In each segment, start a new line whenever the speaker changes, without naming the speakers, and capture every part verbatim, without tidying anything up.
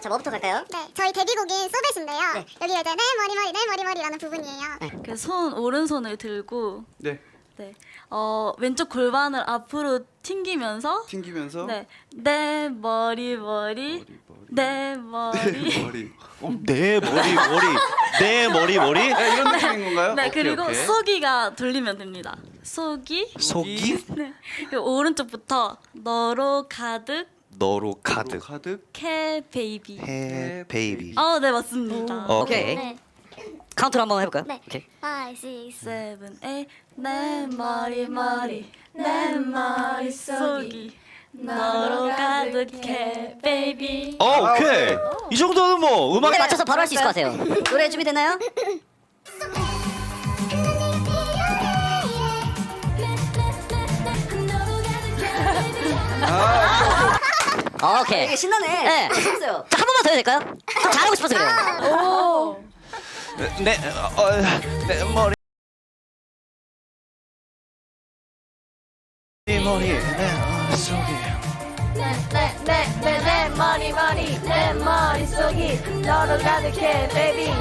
자, 뭐부터 갈까요?
네, 저희 데뷔곡인 소벳인데요.
네.
여기가 이제 내 머리 머리 내 머리 머리라는 부분이에요.
그 손 오른손을 들고
네.
네. 어, 왼쪽 골반을 앞으로 튕기면서
튕기면서
네. 내 머리 머리 내 머리
머리.
어, 내 머리 머리 내 머리 머리
네, 이런 느낌인 건가요?
네,
오케이,
그리고
오케이.
속이가 돌리면 됩니다. 속이
속이
네. 그리고 오른쪽부터 너로 가득
너로 가득
가득.
캐 베이비.
해 베이비.
어, 네, 맞습니다.
오케이.
네.
카운트로 한번 해볼까요?
네.
오케이.
five, six,
세븐 에잇 내 머리 머리 내 머릿속이 너로 가득해 베이비.
어, 오케이. 이 정도는 뭐 음악에
노래 맞춰서 바로 할 수 있을 것 같아요. 노래 준비됐나요? 오케이.
되게 신나네.
네.
재밌어요.
자, 한 번만 더 해도 될까요? 좀 잘하고 싶어서 그래요.
내, 어, 내 머리 내 머리 내 머릿속에
내내내내 머리 머리 내 머릿속이 너로 가득해 베이비.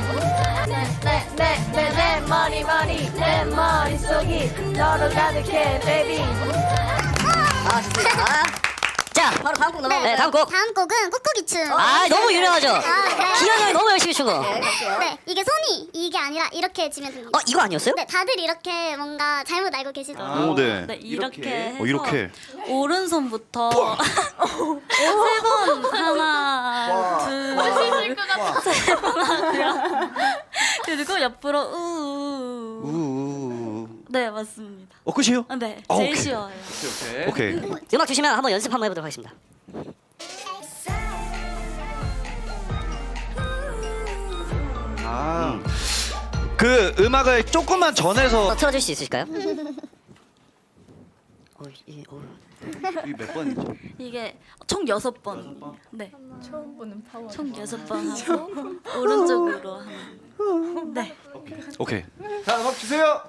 내내내내 머리 머리 내 머릿속이 너로 가득해 베이비.
아, 좋습니다. 자,
바로 다음 곡
네,
넘어갈까요?
다음 곡.
다음 곡은 꾹꾹이 춤.
아, 너무 유명하죠?
아, 네.
기현이 형이 너무 열심히 추고.
네, 갈게요.
네, 이게 손이 이게 아니라 이렇게 치면 됩니다.
어, 이거 아니었어요?
네, 다들 이렇게 뭔가 잘못 알고 계시더라고요.
오, 네.
네, 이렇게,
이렇게.
해서
어, 이렇게.
오른손부터 세 번 하나 둘세번 하고요. 그리고 옆으로 우.
우우.
네, 맞습니다.
어, 끝이에요?
아, 네,
아,
제일
오케이.
쉬워요.
오케이.
오케이.
음악 주시면 한번 연습 한번 해보도록 하겠습니다.
아,
그 음악을 조금만 전해서
어, 틀어줄 수 있으실까요? 어, 이, 어.
이게 몇 번이죠?
이게 총 여섯 번.
여섯 번?
네,
처음 보는 파워.
총 여섯 번 하고 오른쪽으로 하는. 네.
오케이.
자, 음악 주세요.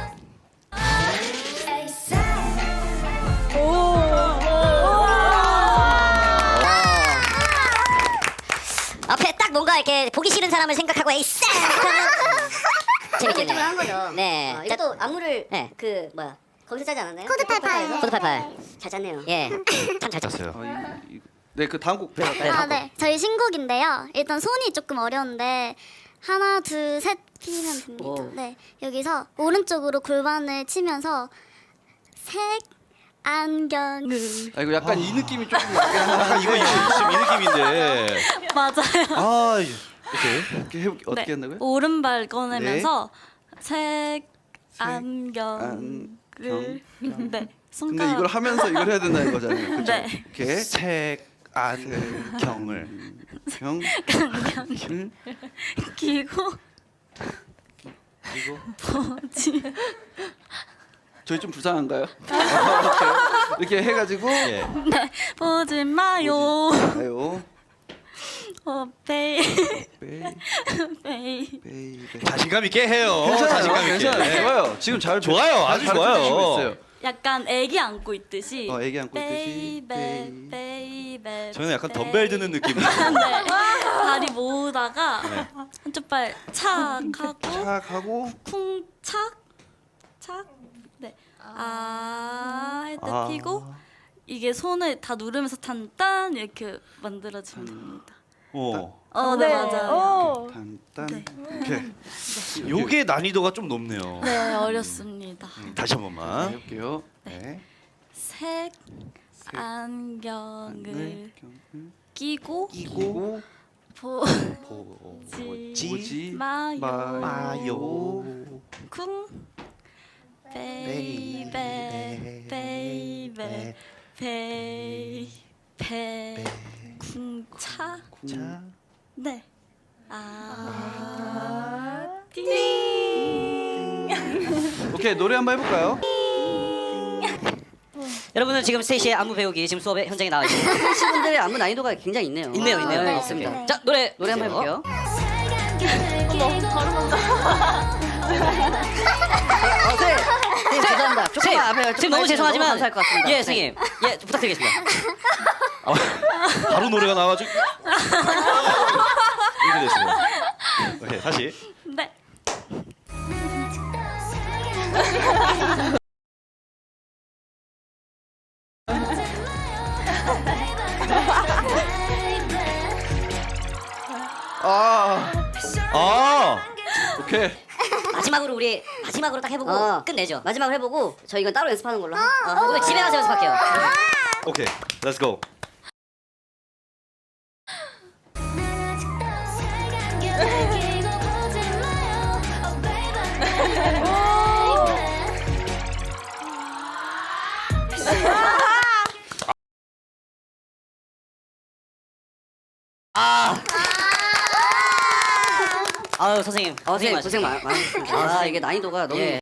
앞에 딱 뭔가 이렇게 보기 싫은 사람을 생각하고 에이싸 재밌겠네요.
한 거죠.
네.
어,
자,
이것도 안무를
네.
그 뭐야 거기서 짜지 않았나요?
코드 팔팔.
코드 팔팔.
잘 짰네요.
예. 참 잘 쳤어요.
잤어요.
아, 이, 이, 네, 그 다음 곡.
네,
아, 네. 저희 신곡인데요. 일단 손이 조금 어려운데 하나, 둘, 셋 피면 됩니다.
오.
네. 여기서 오른쪽으로 골반을 치면서 색 안경을
아, 이거 약간 이 느낌이 조금 나긴 한데.
이거 이거 지금 이 느낌인데.
맞아요.
아, 오케이.
이렇게 해볼게. 어떻게
네.
한다고요?
오른발 꺼내면서 색
색,
안경을
안경.
네
근데
손가락
이걸 하면서 이걸 해야 된다는 거잖아요. 그렇죠?
네.
이렇게
색 안경을
경
안경 끼고
그리고
보지
저희 좀 불쌍한가요? 이렇게, 이렇게 해가지고
예.
네 보지 마요.
아요
어 베이
베이
베이
베이
자신감 있게 해요.
괜찮아요.
자신감 있게.
괜찮아요. 좋아요. 지금 잘
좋아요. 아주
잘
좋아요.
펼치고 있어요.
약간 애기 안고 있듯이
어, 애기 안고 있듯이.
베이베 베이베
저는 약간 덤벨 드는 느낌.
네 다리 모으다가
네.
한쪽 발 착 하고
착 하고
쿵착착네아할 때
아.
피고 이게 손을 다 누르면서 탄딴 이렇게 만들어주면 됩니다.
어.
어, 네, 맞아요.
단단
네.
이렇게
요게 난이도가 좀 높네요.
네, 어렵습니다.
다시 한 번만.
해볼게요. 네.
색 안경을
안경을
끼고
끼고
보지
보지
마요.
마요.
쿵 베이베 베이베 베이베 쿵차
자.
네. 아, 띵.
오케이, 노래 한번 해볼까요?
여러분은 지금 스테이시의 안무 배우기 지금 수업에 현장에 나와 있습니다.
친구들의 안무 난이도가 굉장히 있네요.
있네요, 있네요.
네,
있습니다.
네.
자, 노래
노래 한번 해볼게요. 어, 네. 네, 죄송합니다. 조금만 앞에
지금 너무 죄송하지만
감사할 것 같습니다.
예,
네.
선생님. 예, 좀 부탁드리겠습니다.
바로 노래가 나와가지고. 이렇게 됐어요. 오케이, 다시.
네.
아,
아,
오케이.
마지막으로 우리 마지막으로 딱 해보고
어.
끝내죠.
마지막으로 해보고 저 이건 따로 연습하는 걸로. 하- 어,
어,
하죠.
이거 집에 가서 연습할게요.
오케이, let's go.
아유 선생님,
어,
고생
선생님 고생
많으셨습니다.
많- 많으셨습니다. 아, 이게 난이도가 너무
예.